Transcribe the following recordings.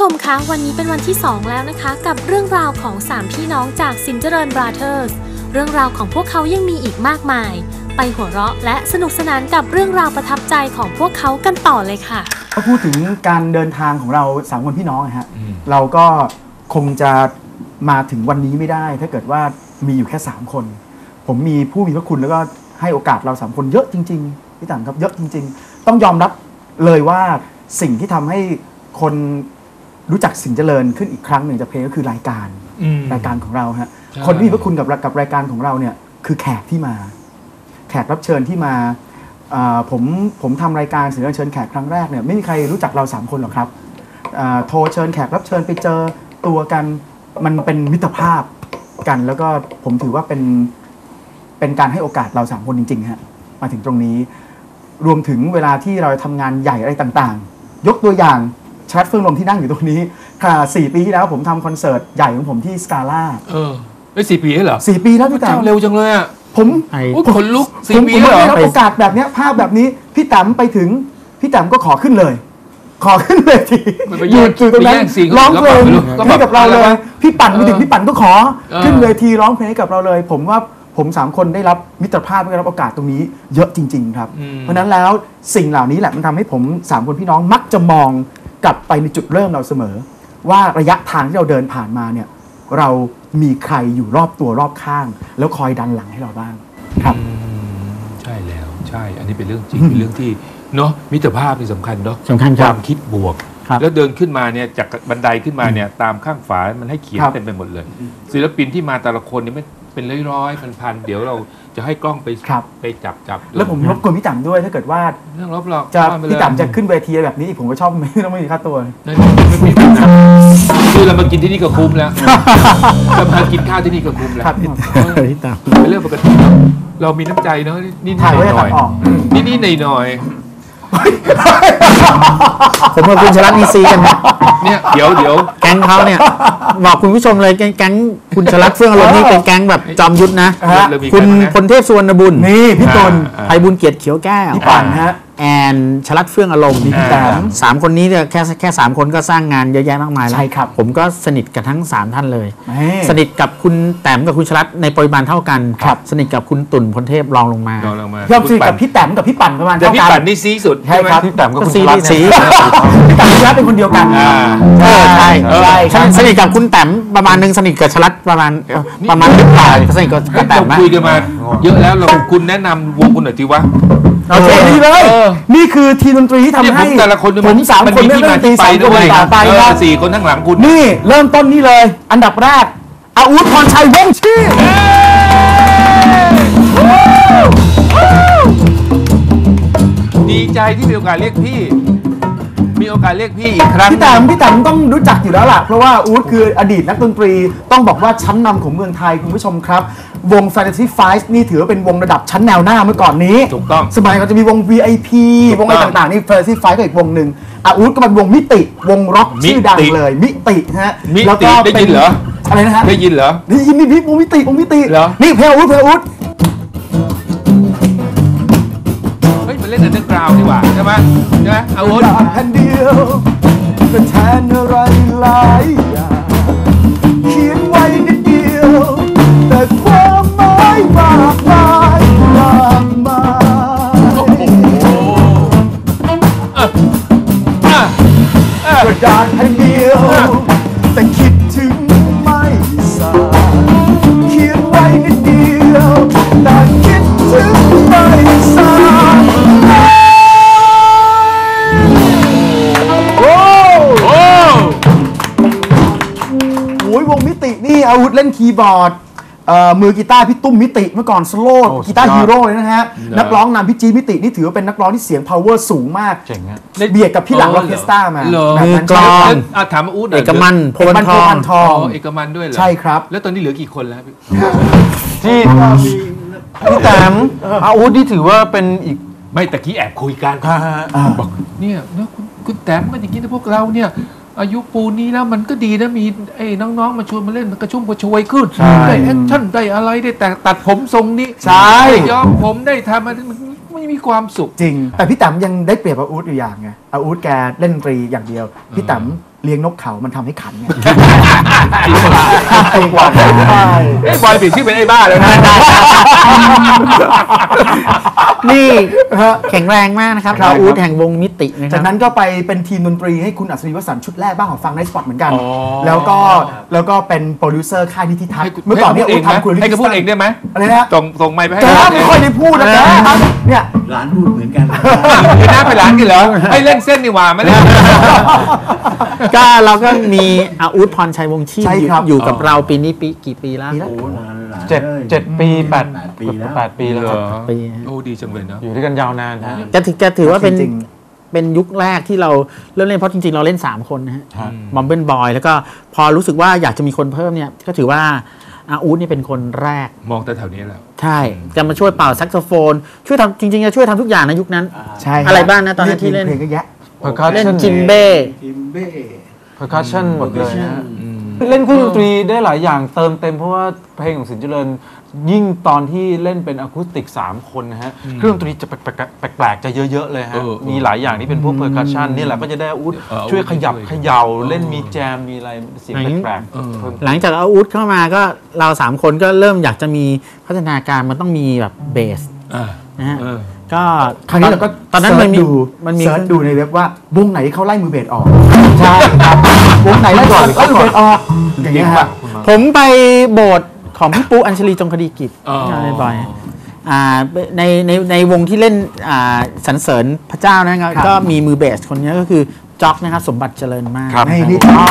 ชมคะวันนี้เป็นวันที่ 2 แล้วนะคะกับเรื่องราวของ3พี่น้องจากสินเจริญบราเธอร์สเรื่องราวของพวกเขายังมีอีกมากมายไปหัวเราะและสนุกสนานกับเรื่องราวประทับใจของพวกเขากันต่อเลยค่ะก็พูดถึงการเดินทางของเรา3คนพี่น้องนะฮะเราก็คงจะมาถึงวันนี้ไม่ได้ถ้าเกิดว่ามีอยู่แค่3คนผมมีผู้มีพระคุณแล้วก็ให้โอกาสเรา3คนเยอะจริงๆพี่ต่างครับเยอะจริงๆต้องยอมรับเลยว่าสิ่งที่ทำให้คนรู้จักสินเจริญขึ้นอีกครั้งหนึ่งจะเพลงก็คือรายการของเราฮะคนที่มีพระคุณกับรายการของเราเนี่ยคือแขกที่มาแขกรับเชิญที่มาผมทำรายการสินเจริญเชิญแขกครั้งแรกเนี่ยไม่มีใครรู้จักเรา3คนหรอกครับโทรเชิญแขกรับเชิญไปเจอตัวกันมันเป็นมิตรภาพกันแล้วก็ผมถือว่าเป็นการให้โอกาสเรา3คนจริงๆฮะมาถึงตรงนี้รวมถึงเวลาที่เราทำงานใหญ่อะไรต่างๆยกตัวอย่างชาร์ตเฟื่องลมที่นั่งอยู่ตรงนี้ค่ะ4 ปีที่แล้วผมทำคอนเสิร์ตใหญ่ของผมที่สกาล่าได้4 ปีเหรอ 4 ปีแล้วพี่แต๋มเร็วจังเลยอ่ะผมขนลุก4 ปีแล้วโอกาสแบบนี้ภาพแบบนี้พี่แต๋มไปถึงพี่แต๋มก็ขอขึ้นเลยทีอยู่ตรงนั้นร้องเพลงให้กับเราเลยพี่ปั่นไปถึงพี่ปั่นก็ขอขึ้นเวทีร้องเพลงให้กับเราเลยผมว่าผม3คนได้รับมิตรภาพได้รับโอกาสตรงนี้เยอะจริงๆครับเพราะนั้นแล้วสิ่งเหล่านี้แหละมันทำให้ผม3คนพี่น้องมักจะมองกลับไปในจุดเริ่มเราเสมอว่าระยะทางที่เราเดินผ่านมาเนี่ยเรามีใครอยู่รอบตัวรอบข้างแล้วคอยดันหลังให้เราบ้างครับใช่แล้วใช่อันนี้เป็นเรื่องจริงเป็นเรื่องที่เนาะมิตรภาพนี่สำคัญเนาะสำคัญความคิดบวกแล้วเดินขึ้นมาเนี่ยจากบันไดขึ้นมาเนี่ยตามข้างฝามันให้เขียนเต็มไปหมดเลยศิลปินที่มาแต่ละคนนี่ไม่เป็นร้อยๆพันๆเดี๋ยวเราจะให้กล้องไปจับแล้วผมรบกวนพี่ต่ำด้วยถ้าเกิดว่าเรื่องรบหรอกจะพี่ต่ำจะขึ้นเวทีแบบนี้ผมก็ชอบไม่ต้องมีค่าตัวไม่มีคือเรามากินที่นี่ก็คุ้มแล้วเรามากินข้าวที่นี่ก็คุ้มแล้วพี่ต่ำเป็นเรื่องปกติเรามีน้ำใจเนาะนี่หน่อยนี่หน่อยผมกับคุณชลัดมีซีกันนะเนี่ยเดี๋ยวแก๊งเขาเนี่ยบอกคุณผู้ชมเลยแก๊งคุณชลัดเฟื่องอารมณ์นี่เป็นแก๊งแบบจอมยุทธนะคุณพลเทพสุวรรณบุญนี่พี่ตุลไพบุญเกียรติเขียวแก้วพี่ปั่นฮะแอนชลัดเฟื่องอารมณ์3 คนนี้เนี่ยแค่3 คนก็สร้างงานเยอะแยะมากมายแล้วใช่ครับผมก็สนิทกับทั้ง3 ท่านเลยสนิทกับคุณแต้มกับคุณชลัดในปริมาณเท่ากันสนิทกับคุณตุ่นพลเทพรองลงมาพี่สนิทกับพี่แต้มกับพี่ปั่นประมาณแต่พี่ปั่นนี่ซีสุดใช่ครับพี่แต้มกับคุณชลัดพี่แต้มชลัดเป็นคนเดียวกันใช่สนิทกับคุณแต้มประมาณนึงสนิทกับชลัดประมาณนิดหน่อยสนิทกับแต้มคุยกันมาเยอะแล้วเราคุณแนะนำวงคุณหน่อยทีวะโอเคดีเลยนี่คือทีมดนตรีที่ทำให้แต่ละคนผม3 คนเล่นดนตรี3 คนต่อไปครับ 4 คนทั้งหลังคุณนี่เริ่มต้นนี่เลยอันดับแรกอาวุธพรชัยวงศ์ชีดีใจที่มีโอกาสเรียกพี่อีกครั้งพี่แต้มต้องรู้จักอยู่แล้วล่ะเพราะว่าอู๊ดคืออดีตนักดนตรีต้องบอกว่าชั้นนำของเมืองไทยคุณผู้ชมครับวง Fantasy Five นี่ถือว่าเป็นวงระดับชั้นแนวหน้าเมื่อก่อนนี้ถูกต้องสมัยเขาจะมีวง VIP วงอะไรต่างๆนี่ Fantasy Five ก็อีกวงหนึ่งอู๊ดก็เป็นวงมิติวงร็อกชื่อดังเลยมิติฮะแล้วก็ได้ยินเหรออะไรนะฮะได้ยินเหรอได้ยินนี่วงมิตินี่เพลงอู๊ดเล่นอันเดอร์กราวด์ดีกว่าใช่ไหมเอาวุธแผ่นเดียวก็แทนอะไรหลายอย่างเขียนไว้นิดเดียวแต่ความหมายมากมายกระดาษแผ่นเดียวแต่คิดถึงไม่สายเขียนไว้นิดเดียวแต่คิดถึงไม่สายวงมิตินี่อาวุธเล่นคีย์บอร์ดมือกีตาร์พี่ตุ้มมิติเมื่อก่อนสโลว์กีตาร์ฮีโร่เลยนะฮะนักร้องนำพี่จีมิตินี่ถือว่าเป็นนักร้องที่เสียง power สูงมากเจ๋งฮะเบียดกับพี่หลังออเคสตรามามือกลองถามอู๊ดเอกมันโพนทองเอกมันด้วยเหรอใช่ครับแล้วตอนนี้เหลือกี่คนแล้วที่พี่แต้มอาวุธที่ถือว่าเป็นอีกไม่ตะกี้แอบคุยกันบอกเนี่ยคุณแต้มมันอย่างนี้นะพวกเราเนี่ยอายุปูนี้แล้วมันก็ดีนะมีไอ้น้องๆมาชวนมาเล่นกระชุ่มกระชวยขึ้นได้แอคชั่นได้อะไรได้แต่ตัดผมทรงนี้ใช่ย้อมผมได้ทำมันไม่มีความสุขจริงแต่พี่แต้มยังได้เปรียบอาวุธอยู่อย่างไงอาวุธแกเล่นดนตรีอย่างเดียวพี่แต้มเลี้ยงนกเขามันทำให้ขันไงไอ้บอยเปลี่ยนชื่อเป็นไอ้บ้าเลยนะนี่แข็งแรงมากนะครับอาอู๊ดแห่งวงมิตินะคจารับกนั้นก็ไปเป็นทีมดนตรีให้คุณอัศรีวสันต์ชุดแรกบ้างของฟังในสปอตเหมือนกัน แล้วก็เป็นโปรดิวเซอร์ค่ายนิติทัศน์เมื่อก่อนเนี่ยอู๊ดทำคุณให้เขาพูดเองได้ไหมอะไรนะส่งไมค์ไปให้แต่ไม่ค่อยได้พูดนะครับเนี่ยร้านพูดเหมือนกันคือหน้าไปร้านกันเหรอให้เล่นเส้นนี่หว่าไม่ได้ก็เราก็มีอาอู๊ดพรชัยวงศ์ชีพใช่ครับอยู่กับเราปีนี้กี่ปีแล้วโอ้นานหลายเจ็ดปีแปดปีแล้ว 8 ปีแล้วครับปีโอ้ดีจังเลยเนาะอยู่ด้วยกันยาวนานฮะจะถือว่าเป็นจริงเป็นยุคแรกที่เราเริ่มเล่นเพราะจริงๆเราเล่น 3 คนนะฮะครับบอมเบิลบอยแล้วก็พอรู้สึกว่าอยากจะมีคนเพิ่มเนี่ยก็ถือว่าอาอู๊ดนี่เป็นคนแรกมองแต่แถวนี้แล้วใช่จะมาช่วยเป่าแซกโซโฟนช่วยทำจริงๆจะช่วยทำทุกอย่างในยุคนั้นใช่อะไรบ้างนะตอนนั้นที่เล่นเพลงก็แยะเล่น percussion จิมเบ้ทิมเบ้ percussion หมดเลยฮะเล่นเครื่องดนตรีได้หลายอย่างเติมเต็มเพราะว่าเพลงของสินเจริญยิ่งตอนที่เล่นเป็นอะคูสติก3 คนนะฮะเครื่องดนตรีจะแปลกๆจะเยอะๆเลยฮะมีหลายอย่างที่เป็นพวก percussion นี่แหละก็จะได้อาวุธช่วยขยับเขย่าเล่นมีแจมมีอะไรเสียงแปลกๆเพิ่มหลังจากอาอู๊ดเข้ามาก็เรา3 คนก็เริ่มอยากจะมีพัฒนาการมันต้องมีแบบเบสนะฮะก็คราวนี้เราก็ตอนนั้นมันมีเซิร์ชดูในเว็บว่าวงไหนเขาไล่มือเบสออกใช่ครับวงไหนไล่ก่อนก็มือเบสออกอย่างเงี้ยครับผมไปโบสถ์ของพี่ปูอัญชลีจงคดีกิจบ่อยในวงที่เล่นสรรเสริญพระเจ้านะครับก็มีมือเบสคนนี้ก็คือจ็อกนะครับสมบัติเจริญมากครับให้นี่อ๋อ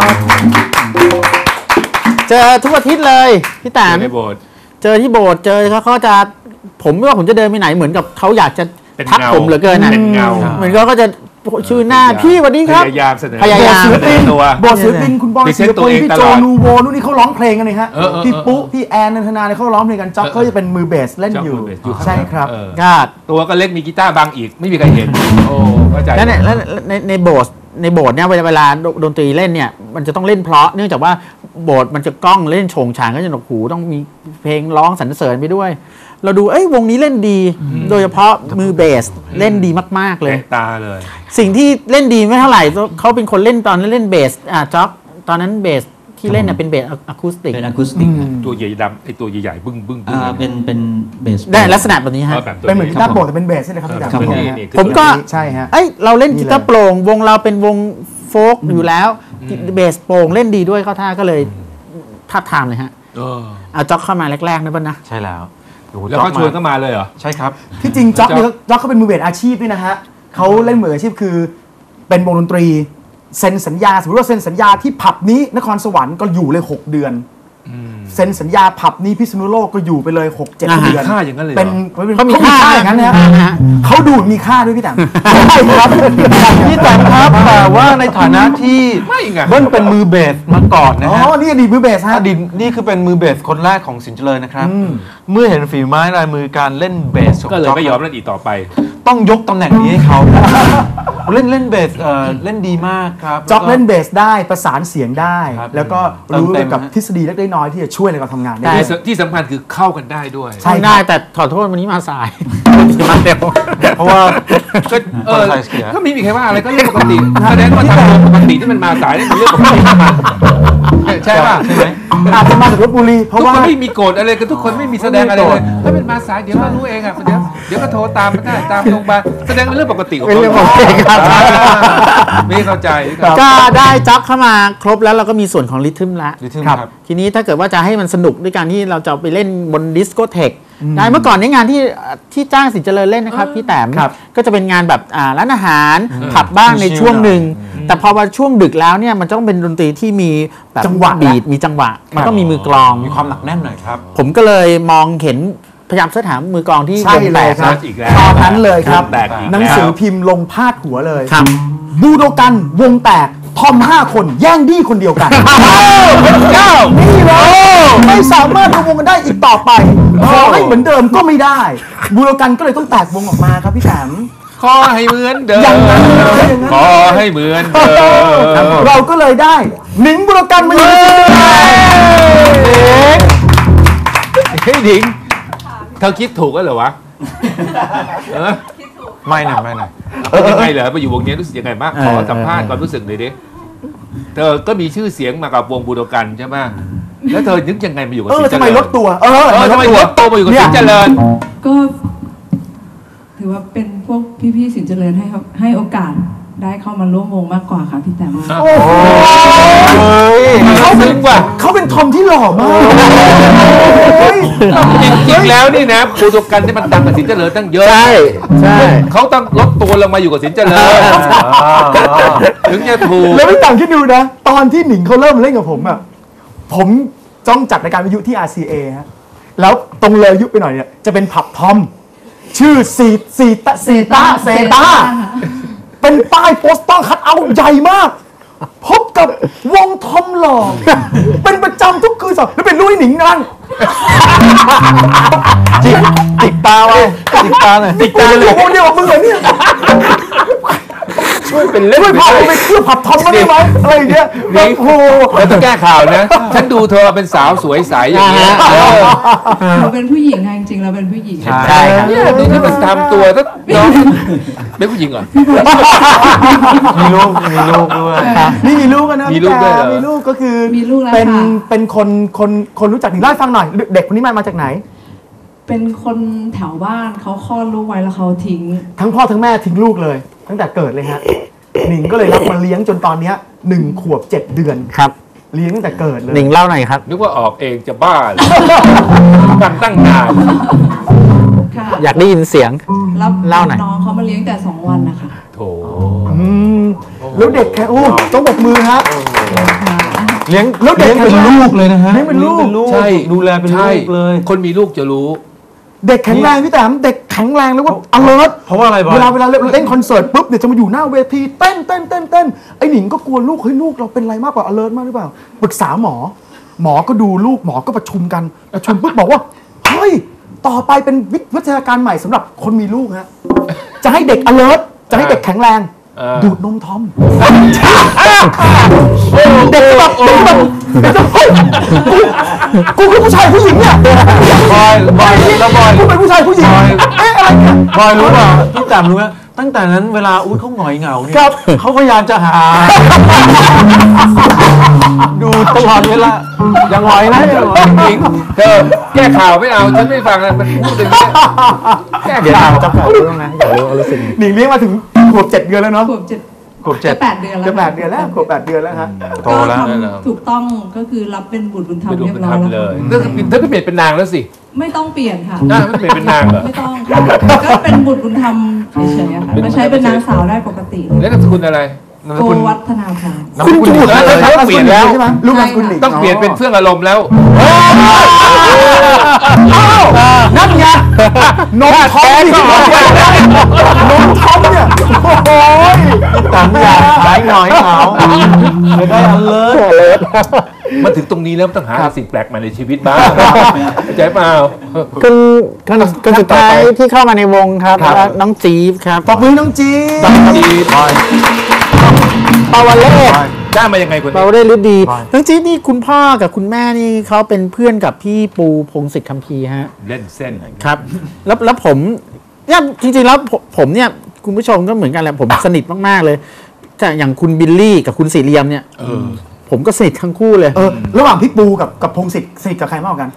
เจอทุกอาทิตย์เลยพี่แตมในโบสถ์เจอที่โบสถ์เจอเขาจะผมไม่ว่าผมจะเดินไปไหนเหมือนกับเขาอยากจะเป็นทักเงาผมเหลือเกินนะเป็นเงาเหมือนเขาก็จะชื่อหน้าพี่สวัสดีครับพยายามเสนอพยายามศิลปินตัวโบสถ์ศิลปินคุณบอยพรีเซศินลต์ตัวปินเองพี่ตโจลอดนูโวนู่นนี่เขาร้องเพลงกันเลยฮะเออพี่ปุ๊พี่แอนนันทนาเนี่ยเขาร้องเพลงกันจ็อกเขาจะเป็นมือเบสเล่นอยู่จ็อกมือเบสอยู่ข้างใช่ครับเออก็ตัวก็เล็กมีกีตาร์บังอีกไม่มีใครเห็นโอ้เข้าใจแล้วในโบสถ์เนี่ยเวลาดนตรีเล่นเนี่ยมันจะต้องเล่นเพราะเนื่องจากว่าโบสถ์มันจะก้องเล่นโฉงฉางก็จะหนวกหูต้องมีเพลงร้องสรรเสริญไปด้วย เราดูวงนี้เล่นดี โดยเฉพาะมือเบสเล่นดีมากๆเลยเตะตาเลยสิ่งที่เล่นดีไม่เท่าไหร่เขาเป็นคนเล่นตอนเล่นเบสจ็อกตอนนั้นเบสที่เล่นเป็นเบสอะคูสติกเป็นอะคูสติกตัวใหญ่ดำไอตัวใหญ่ๆบึ้งบึ้งบึ้งเป็นเบสได้ลักษณะแบบนี้ฮะแบบตัวเป็นเหมือนกีตาร์โปร่งแต่เป็นเบสใช่ไหมครับพี่ครับดำนี่ผมก็ใช่ฮะเราเล่นกีตาร์โปร่งวงเราเป็นวงโฟล์กอยู่แล้วเบสโปร่งเล่นดีด้วยเข้าท่าก็เลยทับทามเลยฮะเออเอาจ็อกเข้ามาแรกๆนะบ้านนะใช่แล้วโอ้โหแล้วเขาชวนเข้ามาเลยเหรอใช่ครับที่จริงจ็อกเนี่ยจ็อกเขาเป็นมือเบสอาชีพด้วยนะฮะเขาเล่นมืออาชีพคือเป็นวงดนตรีเซ็นสัญญาสมมติว่าเซ็นสัญญาที่ผับนี้นครสวรรค์ก็อยู่เลย6 เดือนเซ็นสัญญาผับนี้พิษณุโลกก็อยู่ไปเลย 6-7 เดือนค่าอย่างนั้นเลยเหรอเป็นเขามีค่าอย่างนั้นนะฮะเขาดูดมีค่าด้วยพี่แต๋มใช่ครับพี่แตมครับแต่ว่าในฐานะที่ไม่ไงเบิ้ลเป็นมือเบสมาก่อนนะอ๋อฮะนี่อดีตมือเบสฮะอดีตนี่คือเป็นมือเบสคนแรกของสินเจริญนะครับ เมื่อเห็นฝีไม้ลายมือการเล่นเบสของก็เลยจ๊อกไม่ยอมเล่นอีกต่อไปต้องยกตำแหน่งนี้ให้เขา เล่นเบสเล่นดีมากครับจ็อกเล่นเบสได้ประสานเสียงได้ครับแล้วก็รู้เต็เกี่มยวกับฮะทฤษฎีเล็กน้อยที่จะช่วยในการทำงานได้ที่สำคัญคือเข้ากันได้ด้วยใช่ทำได้แต่ขอโทษวันนี้มาสายมาเร็วเพราะว่าก็เออคนไทยเสียก็ไม่มีใครว่าอะไรก็เรื่องปกติแสดงว่าทางปกติที่มันมาสายนี่เป็นเรื่องปกติของมันใช่ป่ะใช่ไหมอาจจะมาจากลบบุรีเพทุกราะคว่านไม่มีโกรธอะไรกันทุกคนไม่มีแสดงอะไรเลยถ้าเป็นมาสายเดี๋ยวก็รู้เองอ่ะเดี๋ยวก็โทรตามมาได้ตามลงมาแสดงเป็นเรื่องปกติของเป็นเรื่องปกติครับไม่เข้าใจก็ได้จ็อกเข้ามาครบแล้วเราก็มีส่วนของริทึมละริทึมครับทีนี้ถ้าเกิดว่าจะให้มันสนุกด้วยการที่เราจะไปเล่นบนดิสโกเทคได้เมื่อก่อนในงานที่จ้างสินเจริญเล่นนะครับพี่แต้มครับก็จะเป็นงานแบบร้านอาหารผับบ้างในช่วงหนึ่งแต่พอมาช่วงดึกแล้วเนี่ยมันต้องเป็นดนตรีที่มีแบบจังหวะบีทมีจังหวะมันต้องมีมือกลองมีความหนักแน่นหน่อยครับผมก็เลยมองเห็นพยายามเสิร์ชหามือกลองที่ใช่วงเลแตยกครับอีกแล้วตอนนั้นเลยครับวงแตกอีกแล้วหนังสือพิมพ์ลงพาดหัวเลยครับบูโดกันวงแตกทอม5 คนแย่งดี้คนเดียวกันเจ้านี่เลยไม่สามารถรวมวงกันได้อีกต่อไปขอให้เหมือนเดิมก็ไม่ได้บูโดกันก็เลยต้องแตกวงออกมาครับพี่แต้มขอให้เหมือนเดิมอย่างนั้นเลยอย่างนั้นขอให้เหมือนเดิมเราก็เลยได้หนิงบูโดกันมาอยู่ในทีมเราเฮ้ยดิงเธอคิดถูกแล้วเหรอวะเออไม่หน่อยไม่หน่อยเป็นยังไงเหรอไปอยู่วงนี้รู้สึกยังไงบ้างขอสัมภาษณ์ความรู้สึกหน่อยดิเธอก็มีชื่อเสียงมากับวงบูโดกันใช่ไหมแล้วเธอนึกยังไงมาอยู่กับสินเจริญทำไมลดตัวทำไมลดตัวมาอยู่กับสินเจริญก็ถือว่าเป็นพวกพี่ๆสินเจริญให้โอกาสได้เข้ามาร่วมวงมากกว่าค่ะพี่แต้มโอ้โหเขาเป็นทอมที่หล่อมากจริงๆแล้วนี่นะบูโดกันที่มันดังกับสินเจริญตั้งเยอะใช่เขาต้องลดตัวลงมาอยู่กับสินเจริญถึงจะถูกแล้วไม่ต่างคิดดูนะตอนที่หนิงเขาเริ่มเล่นกับผมอ่ะผมจ้องจัดรายการวิทยุที่ RCA ฮะแล้วตรงเลยยุคไปหน่อยเนี่ยจะเป็นผับทอมชื่อซีตาเป็นป้ายโปสเตอร์คัทเอาท์ใหญ่มากพบกับวงทอมหล่อเป็นประจำทุกคืนสัปแล้วเป็นลุยหนิงนั่งจิกตาไว้จิกตาเลยโอ้เดียวกับมึงเหรอเนี่ยช่วยเป็นเล่นช่วยพาไปเที่ยวผับทอมมาได้ไหมอะไรอย่างเงี้ยโอ้โหแล้วต้องแก้ข่าวนะฉันดูเธอเป็นสาวสวยใสอย่างเงี้ยเราเป็นผู้หญิงไงจริงๆเราเป็นผู้หญิงใช่เนี่ยดูที่มันทำตัวถ้าน้องเป็นผู้หญิงเหรอมีลูกด้วยนี่มีลูกกันนะมีลูกด้วยมีลูกก็คือมีลูกแล้วเป็นคนรู้จักถึงเล่าให้ฟังหน่อยเด็กคนนี้มาจากไหนเป็นคนแถวบ้านเขาคลอดลูกไว้แล้วเขาทิ้งทั้งพ่อทั้งแม่ทิ้งลูกเลยตั้งแต่เกิดเลยฮะหนิงก็เลยรับมาเลี้ยงจนตอนนี้1 ขวบ 7 เดือนครับเลี้ยงตั้งแต่เกิดเลยหนิงเล่าหน่อยครับนึกว่าออกเองจะบ้าตั้งนานอยากได้ยินเสียงเล่าหน่อยน้องเขามาเลี้ยงแต่2 วันนะคะโถแล้วเด็กแค่ต้องบอกมือฮะเลี้ยงเป็นลูกเลยนะฮะเลี้ยงเป็นลูกใช่ดูแลเป็นลูกเลยคนมีลูกจะรู้เด็กแข็งแรงพี่แต้มเด็กแข็งแรงแล้วว่า alert เพราะว่าอะไรเวลาเล่นคอนเสิร์ตปุ๊บเนี่ยจะมาอยู่หน้าเวทีเต้นไอ้หนิงก็กลัวลูกเฮ้ยลูกเราเป็นอะไรมากกว่า alert มากหรือเปล่าปรึกษาหมอก็ดูลูกหมอก็ประชุมกันปุ๊บบอกว่าเฮ้ยต่อไปเป็นวิทยาการใหม่สำหรับคนมีลูกฮะจะให้เด็ก alert จะให้เด็กแข็งแรงดูดนมทอมเด็กแบบกูคือผู้ชายผู้หญิงเนี่ยบอยกูเป็นผู้ชายผู้หญิงอะไรเนี่ยบอยรู้ป่ะพี่แต้มรู้ไหมตั้งแต่นั้นเวลาอุ๊ดเขาหงอยเหงาเนี่ยเขาพยายามจะหาดูตลอดเวลาอย่างหงอยนะจริงเธอแก้ข่าวไม่เอาฉันไม่ฟังเลยมันพูดอย่างนี้แก้ข่าวจะข่าวรู้นะอยากรู้รู้สึกหนิงเลี้ยงมาถึงขวบ7 เดือนแล้วเนาะขวบ7 8 เดือนแล้วจะ8 เดือนแล้วขวบ8 เดือนแล้วฮะโตแล้วถูกต้องก็คือรับเป็นบุตรบุญธรรมเรียบร้อยแล้วเลยเธอก็เปลี่ยนเป็นนางแล้วสิไม่ต้องเปลี่ยนค่ะไม่เปลี่ยนเป็นนางเหรอไม่ต้องก็เป็นบุตรบุญธรรมเฉยๆค่ะก็ใช้เป็นนางสาวได้ปกติแล้วนามสกุลอะไรโกวัฒนาพรคุณจุดแล้วเปลี่ยนแล้วใช่ไหมลูกนามสกุลต้องเปลี่ยนเป็นเฟื่องอารมณ์แล้วนั่นไงน้องทอมน้องทอมเนี่ยโอ้ยต่างอย่างหายหน่อยเหงาไม่ได้อันเลยมาถึงตรงนี้แล้วต้องหาสิ่งแปลกใหม่ในชีวิตบ้างใจเปล่าคนสุดท้ายที่เข้ามาในวงครับน้องจี๊บครับปอบมือน้องจี๊บปาวเล่ได้มายังไงคุณปาวเล่ฤดีน้องจี๊บนี่คุณพ่อกับคุณแม่นี่เขาเป็นเพื่อนกับพี่ปูพงศิษฐ์คัมภีร์ฮะเล่นเส้นครับแล้วผมเนี่ยจริงๆแล้วผมเนี่ยคุณผู้ชมก็เหมือนกันแหละผมสนิทมากๆเลยแต่อย่างคุณบิลลี่กับคุณสีเรียมเนี่ยผมก็สนิททั้งคู่เลยระหว่างพี่ปูกับพงศิษฐ์สนิทกับใครมากกว่ากัน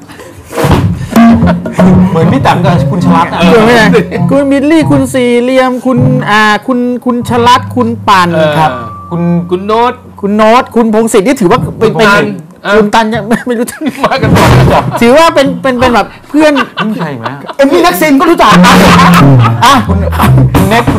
เหมือนพี่แต้มกับคุณชลัดคุณบิลลี่คุณสีเรียมคุณชลัดคุณปั่นครับคุณโน้ตคุณพงศิษฐ์นี่ถือว่าเป็นคุณตันยังไม่รู้จักมากันก่อนถือว่าเป็นแบบเพื่อนใช่ไหมมี่นักซินก็รู้จักคุณเน็ก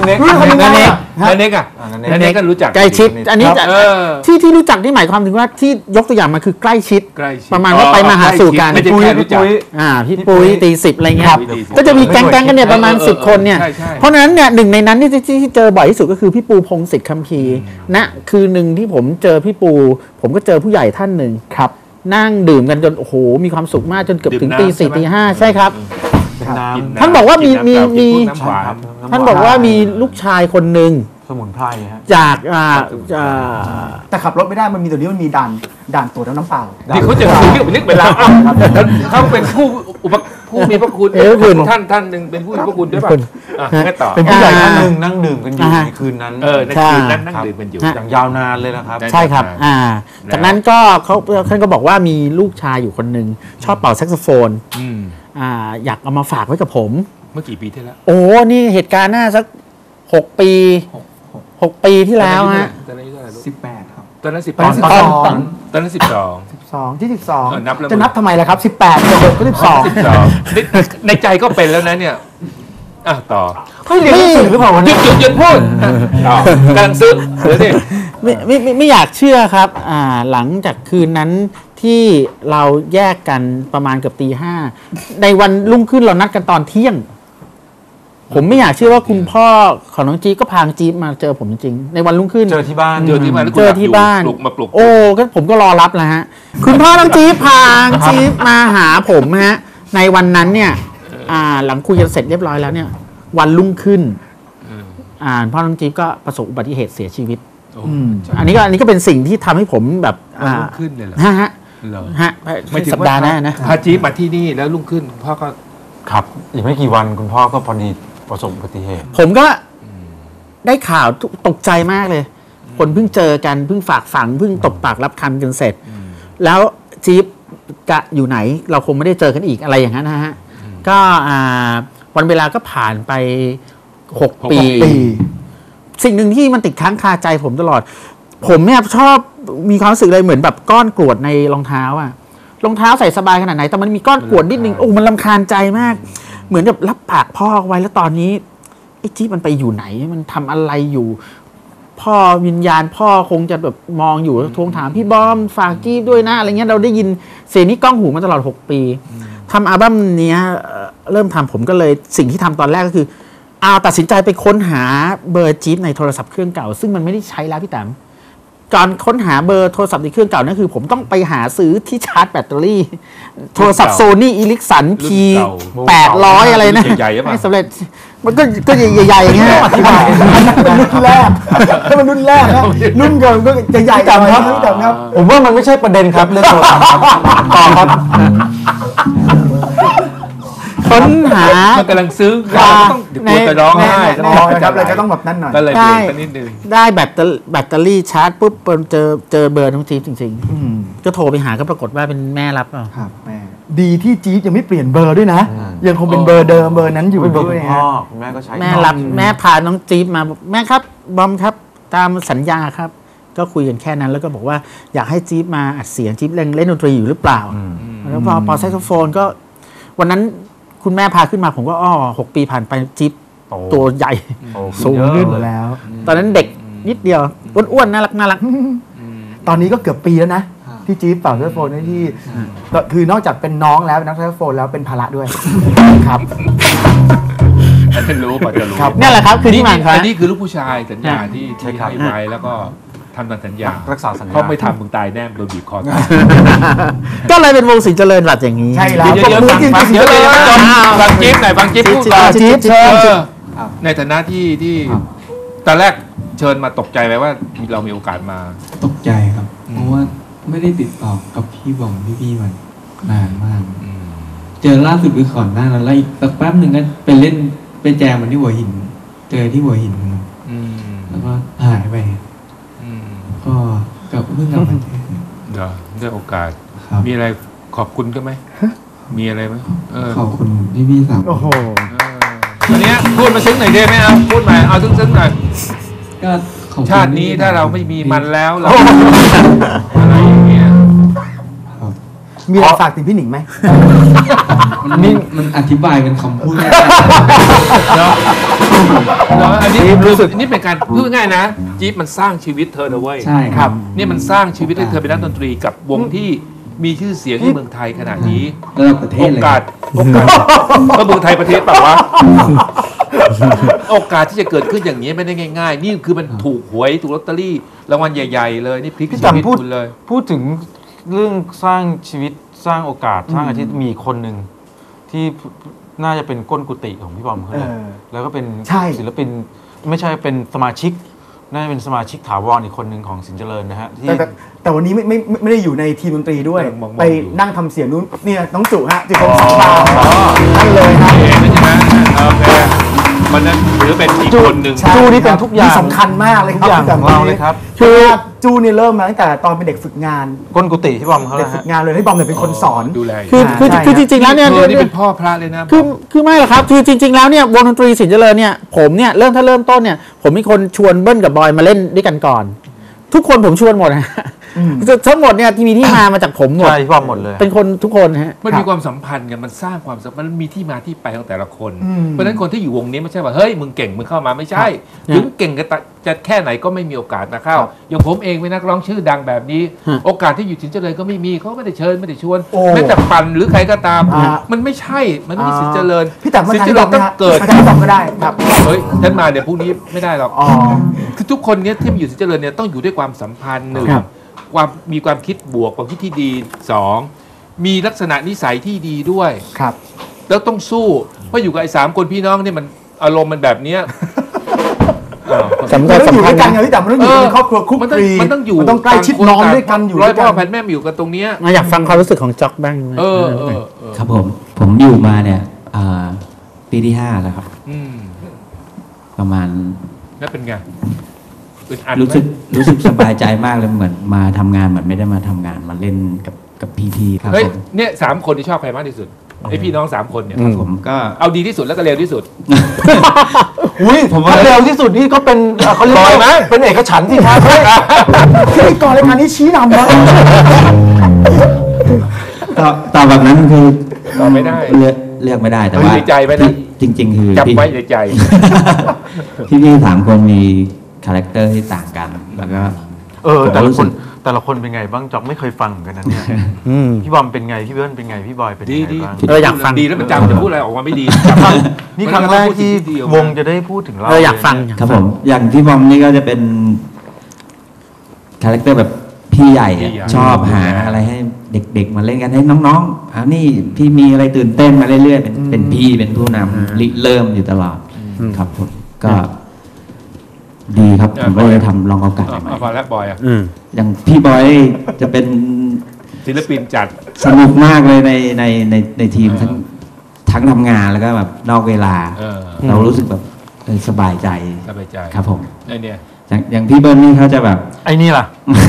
ก็รู้จักใกล้ชิดอันนี้ที่รู้จักนี่หมายความถึงว่าที่ยกตัวอย่างมาคือใกล้ชิดประมาณว่าไปมาหาสู่กันพี่ปุ้ยตี10อะไรเงี้ยก็จะมีแก๊งกันเนี่ยประมาณ10 คนเนี่ยเพราะฉะนั้นเนี่ยหนึ่งในนั้นที่เจอบ่อยที่สุดก็คือพี่ปูพงศิษฐ์คัมภีร์นะคือหนึ่งที่ผมเจอพี่ปูผมก็เจอผู้ใหญ่ท่านหนึ่งครับนั่งดื่มกันจนโอ้โหมีความสุขมากจนเกือบถึงตี 4 ตี 5ใช่ครับท่านบอกว่ามีท่านบอกว่ามีลูกชายคนหนึ่งสมุนไพรฮะจากแต่ขับรถไม่ได้มันมีตัวนี้มันมีด่านตรวจน้ำเปล่าที่เขาจะนึกเวลาเขาเป็นผู้ผู้มีพระคุณคุณท่านหนึ่งเป็นผู้มีพระคุณด้วยป่ะงั้นต่อเป็นผู้ใหญ่ท่านหนึ่งนั่งดื่มกันอยู่ในคืนนั้นในคืนนั้นนั่งดื่มกันอยู่อย่างยาวนานเลยนะครับใช่ครับจากนั้นก็ท่านก็บอกว่ามีลูกชายอยู่คนหนึ่งชอบเป่าแซกโซโฟนอยากเอามาฝากไว้กับผมเมื่อกี่ปีที่แล้วโอ้นี่เหตุการณ์น่าสัก6 ปี6 ปีที่แล้วฮะ 18 ครับตอนนั้นตอนนั้น 12ที่ 12 จะนับทำไมล่ะครับ18เด็กก็ 12ในใจก็เป็นแล้วนะเนี่ยต่อไม่เรียนหนังสือหรือเปล่าวันนี้หยุดพูดกำลังซื้อเดี๋ยวดิไม่อยากเชื่อครับหลังจากคืนนั้นที่เราแยกกันประมาณเกือบตี 5ในวันรุ่งขึ้นเรานัดกันตอนเที่ยงผมไม่อยากเชื่อว่าคุณพ่อของน้องจี๊บก็พาจี๊บมาเจอผมจริงๆในวันรุ่งขึ้นเจอที่บ้านเจอที่บ้านปลุกมาปลุกโอ้ก็ผมก็รอรับแล้วฮะคุณพ่อน้องจี๊บพาจี๊บมาหาผมฮะในวันนั้นเนี่ยหลังคุยกันเสร็จเรียบร้อยแล้วเนี่ยวันรุ่งขึ้นพ่อน้องจี๊บก็ประสบอุบัติเหตุเสียชีวิตอันนี้ก็เป็นสิ่งที่ทำให้ผมแบบรุ่งขึ้นเลยเหรอฮะไม่สัปดาห์หน้านะพาจี๊บมาที่นี่แล้วรุ่งขึ้นพ่อก็ครับอีกไม่กี่วันคุณพ่อก็พอดีประสบอุบัติเหตุผมก็ได้ข่าวตกใจมากเลยคนเพิ่งเจอกันเพิ่งฝากฝังเพิ่งตบปากรับคำกันเสร็จแล้วจี๊บกะอยู่ไหนเราคงไม่ได้เจอกันอีกอะไรอย่างนั้นนะฮะก็วันเวลาก็ผ่านไป6 ปีสิ่งหนึ่งที่มันติดค้างคาใจผมตลอดผมเนี่ยชอบมีความรู้สึกเลยเหมือนแบบก้อนกรวดในรองเท้ารองเท้าใส่สบายขนาดไหนแต่มันมีก้อนกรวดนิดนึงมันรำคาญใจมากเหมือนกับรับปากพ่อไว้แล้วตอนนี้ไอ้จี๊บมันไปอยู่ไหนมันทำอะไรอยู่พ่อวิญญาณพ่อคงจะแบบมองอยู่ทวงถามพี่บอมฝากจี๊บด้วยนะอะไรเงี้ยเราได้ยินเสียงนี้ก้องหูมาตลอด6 ปีทำอัลบั้มนี้เริ่มทำผมก็เลยสิ่งที่ทำตอนแรกก็คือตัดสินใจไปค้นหาเบอร์จี๊บในโทรศัพท์เครื่องเก่าซึ่งมันไม่ได้ใช้แล้วพี่แต้มการค้นหาเบอร์โทรศัพท์ในเครื่องเก่านั่นคือผมต้องไปหาซื้อที่ชาร์จแบตเตอรี่โทรศัพท์โซนี่อีลิกสันคี800อะไรนะไม่สำเร็จมันก็ใหญ่ๆอย่างเงี้ยอธิบายเป็นรุ่นแรกก็เป็นรุ่นแรกนะรุ่นเกินก็จะใหญ่จังครับผมว่ามันไม่ใช่ประเด็นครับเรื่องโทรศัพท์ต่อครับค้นหามันกำลังซื้อเราต้องจะร้องไห้ครับเราจะต้องแบบนั้นหน่อยก็เลยเบรกนิดนึงได้แบตเตอรี่ชาร์จปุ๊บเจอเบอร์น้องจี๊บจริงๆก็โทรไปหาก็ปรากฏว่าเป็นแม่รับครับแม่ดีที่จี๊บยังไม่เปลี่ยนเบอร์ด้วยนะยังคงเป็นเบอร์เดิมเบอร์นั้นอยู่ด้วยพ่อแม่ก็ใช้แม่รับแม่พาน้องจี๊บมาแม่ครับบอมครับตามสัญญาครับก็คุยกันแค่นั้นแล้วก็บอกว่าอยากให้จี๊บมาอัดเสียงจี๊บเล่นดนตรีอยู่หรือเปล่าแล้วพอแซกโซโฟนก็วันนั้นคุณแม่พาขึ้นมาผมก็6 ปีผ่านไปจิ๊บตัวใหญ่สูงขึ้นแล้วตอนนั้นเด็กนิดเดียวอ้วนๆน่ารักตอนนี้ก็เกือบปีแล้วนะที่จี๊บเป่าแซกโซโฟนที่ก็คือนอกจากเป็นน้องแล้วนักแซกโซโฟนแล้วเป็นภาระด้วยครับรู้ป่ะจะรู้นี่แหละครับคือที่มาอันนี้คือลูกผู้ชายสัญญาที่ให้ไว้แล้วก็ทำตามสัญญารักษาสัญญาเพราะไม่ทำมึงตายแน่โดนบีบคอตายก็เลยเป็นวงสิงห์เจริญรัตน์อย่างนี้ใช่แล้วเดี๋ยวฟังจิ๊บหน่อยฟังจิ๊บพูดต่อจิ๊บในฐานะที่ตอนแรกเชิญมาตกใจไหมว่าเรามีโอกาสมาตกใจครับเพราะว่าไม่ได้ติดต่อกับพี่บอมพี่มันนานมากเจอล่าสุดคือก่อนหน้านั้นแล้วอีกสักแป๊บหนึ่งก็ไปแจมมันที่หัวหินเจอที่หัวหินแล้วก็หายไปก็กับเพิ่งกลับมาได้โอกาสมีอะไรขอบคุณก็ไหมมีอะไรไหมขอบคุณพี่สามโอ้โหอันนี้พูดมาซึ้งหน่อยได้ไหมเอาพูดมาเอาซึ้งหน่อยก็ชาตินี้ถ้าเราไม่มีมันแล้วเราอะไรอย่างเงี้ยมีอะไรฝากถึงพี่หนิงไหมมันอธิบายเป็นคำพูดไม่ได้เนาะอันนี้รู้สึกนี่เป็นการพูดง่ายนะจี๊บมันสร้างชีวิตเธอนะเว้ยใช่ครับนี่มันสร้างชีวิตให้เธอเป็นนักดนตรีกับวงที่มีชื่อเสียงที่เมืองไทยขนาดนี้ระดับประเทศเลยโอกาสก็เมืองไทยประเทศเปล่าวะโอกาสที่จะเกิดขึ้นอย่างนี้ไม่ได้ง่ายๆนี่คือมันถูกหวยถูกลอตเตอรี่รางวัลใหญ่ๆเลยนี่พลิกชีวิตคุณเลยพูดถึงเรื่องสร้างชีวิตสร้างโอกาสสร้างอาชีพมีคนหนึ่งที่น่าจะเป็นก้นกุฏิของพี่บอมเขาเลยแล้วก็เป็นศิลปินไม่ใช่เป็นสมาชิกน่าจะเป็นสมาชิกถาวรอีกคนหนึ่งของสินเจริญนะฮะที่แต่วันนี้ไม่ได้อยู่ในทีมดนตรีด้วยมองๆไปนั่งทำเสียงนู้นเนี่ยน้องจุฮะจุคมสังวานั่นเลยครับเองใช่ไหมโอเคมันนั้นถือเป็นอีกคนหนึ่งใช่จูนี่เป็นทุกอย่างสำคัญมากเลยครับทุกอย่างของเราเลยครับคือจูเนี่ยเริ่มมาตั้งแต่ตอนเป็นเด็กฝึกงานก้นกุฏิที่บอมเขาเด็แล้กวฝึฮะกงานเลยให้บอมเนี่ยเป็นคนสอนดูแลคือจริงๆแล้วเนี่ยนี่เป็นพ่อพระเลยนะคือไม่หรอกครับคือจริงๆแล้วเนี่ยวงดนตรีสินเจริญเนี่ยผมเนี่ยเริ่มต้นเนี่ยผมมีคนชวนเบิ้ลกับบอยมาเล่นด้วยกันก่อน ทุกคนผมชวนหมดนะทั้งหมดเนี่ยที่มีที่มาจากผมหมดใช่พี่บอมหมดเลยเป็นคนทุกคนฮะมันมีความสัมพันธ์กันมันสร้างความสัมพันธ์มันมีที่มาที่ไปของแต่ละคน เพราะฉะนั้นคนที่อยู่วงนี้ไม่ใช่ว่าเฮ้ยมึงเก่งมึงเข้ามาไม่ใช่ถึงเก่งจะแค่ไหนก็ไม่มีโอกาสมาเข้าอย่างผมเองเป็นนักร้องชื่อดังแบบนี้ โอกาสที่อยู่สินเจริญก็ไม่มีเขาไม่ได้เชิญไม่ได้ชวนโอ้แม้แต่ปันหรือใครก็ตามอ่ามันไม่ใช่มันไม่ใช่สินเจริญพี่แต่มาสินทางเจที่ริบอญมต้องนะฮะเกิดมาทางที่บอมก็ได้ครับเฮ้ยฉันมาเดี๋ยวพรุ่งนี้ไม่ได้หรอกอ๋อคือทุกคนเนี้ยที่มาอยู่สินเจริญเนี่ยต้องอยู่ด้วยความสัมพันธ์หนึ่งครับมีความคิดบวกความคิดที่ดีสองมีลักษณะนิสัยที่ดีด้วยครับแล้วต้องสู้เพราะอยู่กับไอ้3 คนพี่น้องเนี่ยมันอารมณ์มันแบบเนี้ยสำมัคันญต้องอยู่สำคัด้ญวยกันไงพี่แต่มันต้องอยู่ในครอบครัวคุกมันคต้องลีมันต้องอยู่มันต้องใกล้ชิดนอนด้วยกันอยู่ร้อด้ยวยพ่กัอน แผ่นแม่มาอยู่กันตรงเนี้ยอยากฟังความรู้สึกของจ็อกบ้างเออครับผมอยู่มาเนี่ยปีที่ 5 แล้วครับอืมประมาณแล้วเป็นไงอึดอัดไหมรู้สึกสบายใจมากเลยเหมือนมาทำงานเหมือนไม่ได้มาทำงานมาเล่นกับพี่ๆครับเฮ้ยผมเนี่ย3 คนที่ชอบใครมากที่สุดไอพี่น้อง3 คนเนี่ยครับผมก็เอาดีที่สุดแล้วก็เร็วที่สุดอุ้ยผมว่าเร็วที่สุดนี่ก็เป็นเขาเรียกปล่อยไหมว่าเป็นเอกฉันท์สิครับคือไอ้ก่อนรายการนี้ชี้นำนะตอบแบบนั้นคือตอบไม่ได้เลือกไม่ได้แต่ว่าเฮ้ยในใจไว้นะจริง ๆ คือจำไว้ในใจพี่ๆ3 คนมีคาแรคเตอร์ที่ต่างกัน แล้วก็แต่ละรู้คสึนกแต่ละคนเป็นไงบ้างจ๊อกไม่เคยฟังเหมือนกันนะเนี่ยพี่บอมเป็นไงพี่เบิ้ลเป็นไงพี่บอยเป็นดียังไงดีบ้างอยากฟังดีแล้วมันจำจะพูดอะไรออกมาไม่ดีนี่ครั้งแรกที่วงจะได้พูดถึงเราอยากฟังครับผมอย่างพี่บอมนี่ก็จะเป็นคาแรคเตอร์แบบพี่ใหญ่อะชอบหาอะไรให้เด็กๆมาเล่นกันให้น้องๆนี่พี่มีอะไรตื่นเต้นมาเรื่อยๆเป็นพี่เป็นผู้นำริเริ่มอยู่ตลอดครับผมก็ดีครับผมก็เลยทำลองโอกาสใหม่พอแล้วบอยอ่ะอย่างพี่บอยจะเป็นศิลปินจัดสนุกมากเลยในทีมทั้งทำงานแล้วก็แบบนอกเวลา เรารู้สึกแบบสบายใจสบายใจครับผมไอเนี่ยอย่างพี่เบิ้ลนี่เขาจะแบบไอ้นี่ล่ะ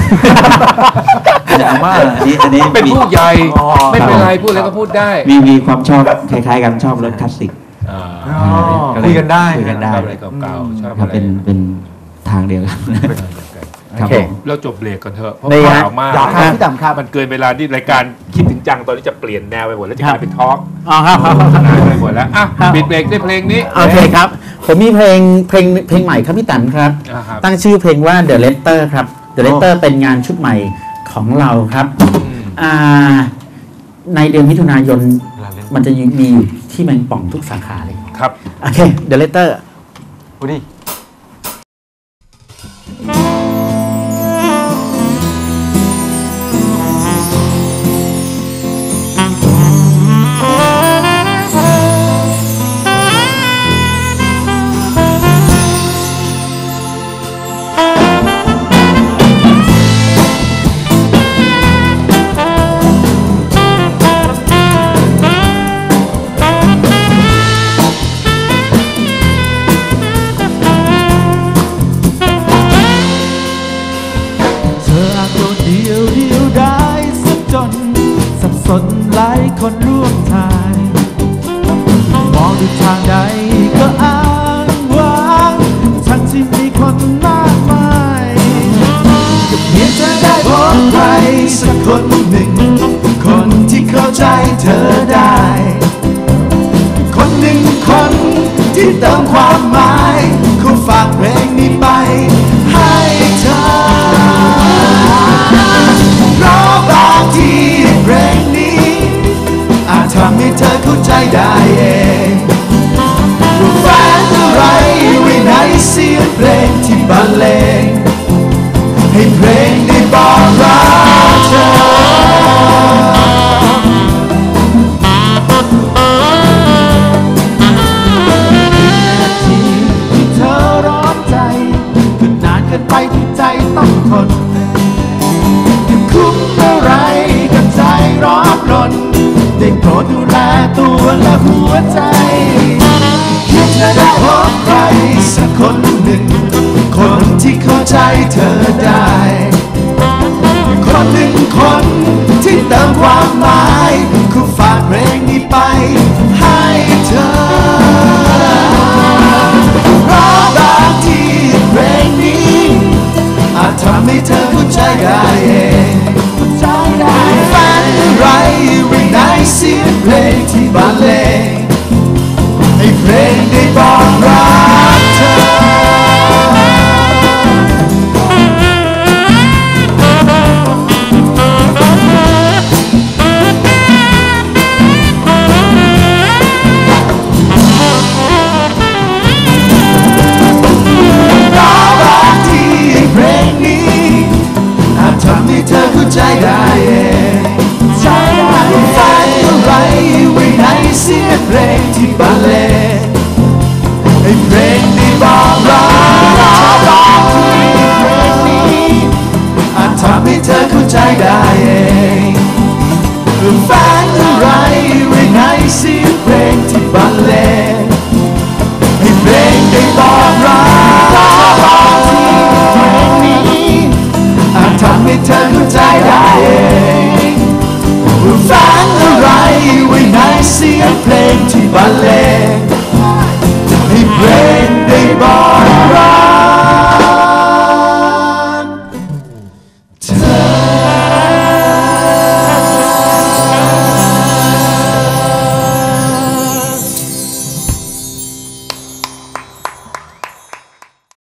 จะว่าอันนี้เป็นผู้ใหญ่อ๋อไม่เป็นไรพูดอะไรก็พูดได้มีความชอบคล้ายๆกันชอบรถคลาสสิกคุยกันได้คุยกันได้ชอบอะไรเก่าๆชอบครัอะบไรเป็นทางเดียวกันครับผมเราจบเบรกก่อนเถอะเพราะได้ฮะข่าวมากอยากครับพี่ต่ำครับมันเกินเวลาที่รายการคิดถึงจังตอนนี้จะเปลี่ยนแนวไปหมดแล้วจะกลายเป็นทอล์กอ๋อครับนายไปหมดแล้วอ่ะปิดเบรกด้วยเพลงนี้โอเคครับ ผมมีเพลงใหม่ครับพี่ตันครับครับตั้งชื่อเพลงว่า The Letter ครับ The Letter เป็นงานชุดใหม่ของเราครับในเดือนมิถุนายนมันจะมีอยู่ที่แมงป่องทุกสาขาเลยครับโอเค The Letter อุ้ยหลายคนร่วมทางมองดูทางใดก็อ้างว้างทั้งที่มีคนมากมายก็เพียงเธอได้พบใครสักคนหนึ่งคนที่เข้าใจเธอได้คนหนึ่งคนที่เติมความหมายขอฝากเพลงนี้ไปให้เธอเพราะบางทีเพลงนี้อาจทำให้เธอเข้าใจได้เองว่าแฝงอะไรไว้ในเสียงเพลงที่บรรเลงให้เพลงได้บอกรักเธอที่เธอร้อนใจก็นานขตัวและหัวใจคิดจะได้พบใครสักคนหนึ่งคนที่เข้าใจเธอได้คนหนึ่งคนที่เติมความหมายคู่ฝากเพลงนี้ไปให้เธอเพราะบางทีเพลงนี้อาจทำให้เธอเข้าใจได้เองฝันไรไว้ในเสียงเพลงที่บรรเลงให้เพลงได้บอกรักเธอทำให้เธอเข้าใจได้เองฝันอะไรไว้ในเสียงเพลงที่บรรเลงให้เพลงนี้บอกรักเธอเพลงนี้อาจทำให้เธอเข้าใจได้